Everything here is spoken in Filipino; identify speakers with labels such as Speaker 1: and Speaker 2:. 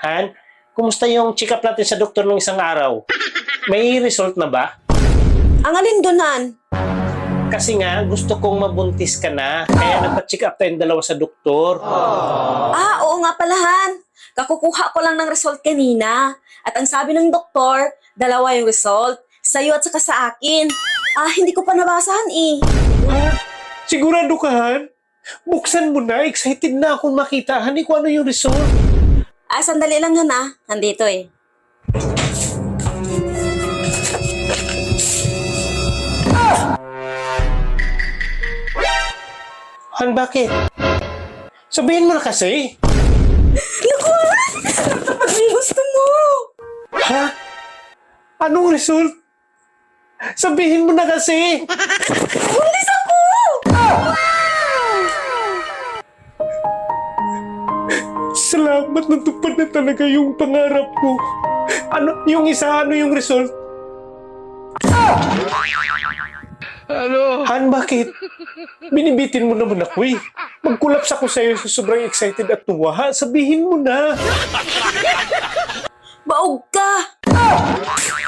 Speaker 1: Han, kumusta yung check-up natin sa doktor ng isang araw? May result na ba?
Speaker 2: Ang alin doon, Han?
Speaker 1: Kasi nga, gusto kong mabuntis ka na. Kaya nagpa-check up tayong dalawa sa doktor.
Speaker 2: Oo nga pala, Han. Kakukuha ko lang ng result kanina. At ang sabi ng doktor, dalawa yung result. Sa'yo at saka sa akin. Hindi ko pa nabasahan eh.
Speaker 1: Sigurado ka, Han? Buksan mo na. Excited na akong makita. Hani, kung ano yung result.
Speaker 2: Sandali lang, Han. Nandito eh.
Speaker 1: Han, bakit? Sabihin mo na kasi.
Speaker 2: Naku, Han! Dapat may gusto mo!
Speaker 1: Ha? Anong result? Sabihin mo na kasi.
Speaker 2: Buntis ako!
Speaker 1: Salamat, natupad na talaga yung pangarap ko. Ano yung result?
Speaker 3: Ano?
Speaker 1: Han, bakit? Binibitin mo naman ako eh. Magkulaps ako sa'yo sa sobrang excited at tuwa. Ha? Sabihin mo na.
Speaker 2: Baog ka!